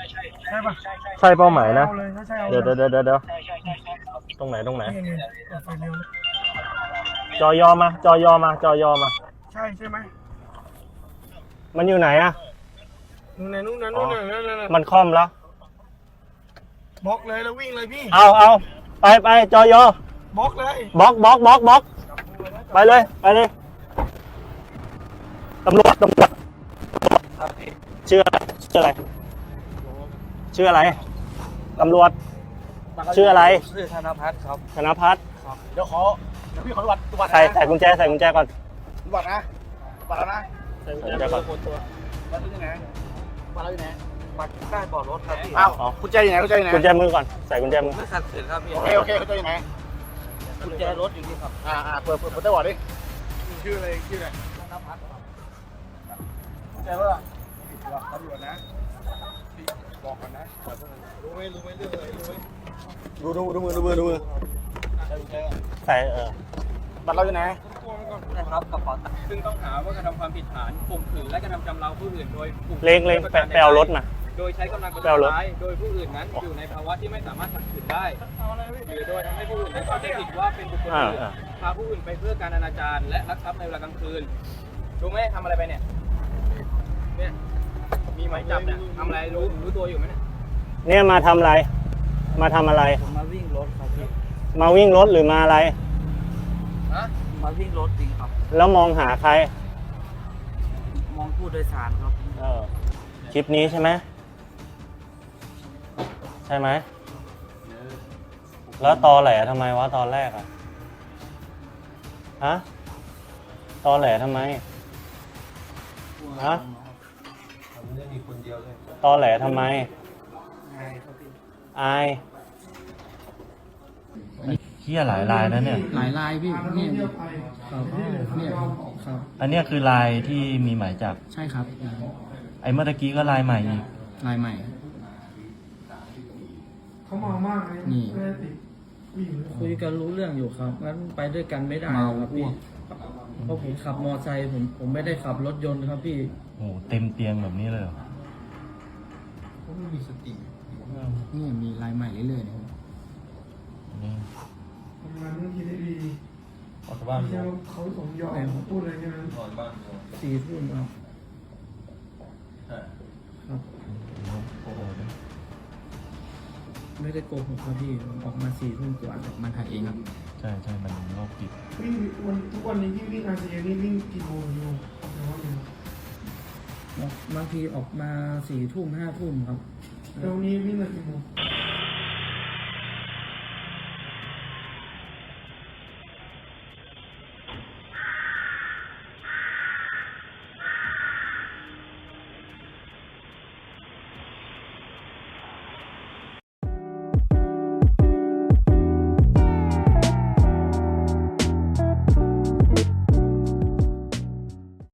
ใช่ปะใช่เป้าหมายนะเอาเลยถ้าใช่เอาเดี๋ยวตรงไหนนี่ไฟเร็วจอยอมาใช่ไหมมันอยู่ไหนอะนู่นนั่นมันค่อมแล้วบล็อกเลยแล้ววิ่งเลยพี่เอาไปจอยอบล็อกเลยบล็อกไปเลยตำรวจชื่ออะไรตำรวจชื่ออะไรชื่อธนพัฒน์ครับธนพัฒน์เดี๋ยวพี่ขอวัดใส่กุญแจก่อนวัดนะวัดแล้วนะใส่กุญแจก่อนวัดที่ไหนวัดแล้วอยู่ไหนปักใต้เบาะรถครับพี่อ้าวกุญแจอยู่ไหนกุญแจมือก่อนใส่กุญแจมือไม่ขัดขืนครับพี่โอเคกุญแจอยู่ไหนกุญแจรถอยู่นี่ครับเปิดได้วัดดิชื่ออะไรธนพัฒน์กุญแจว่าตำรวจนะบอกกันนะรู้ไหมเรื่องอะไรรู้ไหมดูมือใส่บัตรเราอยู่ไหนนะครับกระเป๋าตังค์ซึ่งต้องหาว่ากระทำความผิดฐานข่มขืนและกระทำชำเราผู้อื่นโดยผูกเล็งไปเอารถมาโดยใช้กำลังประไปเอารถทุษร้ายโดยผู้อื่นนั้นอยู่ในภาวะที่ไม่สามารถขัดขืนได้หรือโดยทำให้ผู้อื่นได้เข้าใจผิดว่าเป็นบุคคลอื่นพาผู้อื่นไปเพื่อการอนาจารและลักทรัพย์ในเวลากลางคืนรู้ไหมทำอะไรไปเนี่ยมีหมายจับเนี่ยทำอะไรรู้ตัวอยู่ไหมเนี่ยเนี่ยมาทำอะไรผมมาวิ่งรถครับพี่มาวิ่งรถหรือมาอะไรฮะมาวิ่งรถจริงครับแล้วมองหาใครมองผู้โดยสารครับคลิปนี้ใช่ไหมแล้วตอแหลทำไมวะตอนแรกอะฮะตอแหลทำไมฮะตอแหลทำไมอายเหี้ยหลายลายนะเนี่ยหลายลายพี่เนี่ยครับเนี่ยครับอันเนี้ยคือลายที่มีหมายจับใช่ครับไอ้เมื่อตะกี้ก็ลายใหม่อีกลายใหม่เขาเมามากเลยนี่ไม่ได้ติดผู้หญิงคุยกันรู้เรื่องอยู่ครับงั้นไปด้วยกันไม่ได้ครับพี่เพราะผมขับมอไซค์ผมไม่ได้ขับรถยนต์ครับพี่โอ้โหเต็มเตียงแบบนี้เลยเหรอเขาไม่มีสตินี่มีลายใหม่เรื่อยๆนะครับนี่ทำงานเรื่องคิดได้ดีออกจากบ้านไม่ใช่ว่าเขาสมยอมพูดอะไรแค่นั้น 4 ทุ่มครับครับโอ้โหไม่ได้โกหกครับพี่ผมออกมา4 ทุ่มกว่ามันถ่ายเองครับใช่มันโรคจิตวิ่งทุกวันนี้ที่วิ่งRCAนี่วิ่งกี่โมงอยู่แต่ว่าอยู่บางทีออกมา4 ทุ่ม 5 ทุ่มครับแล้วนี้วิ่งมากี่โมง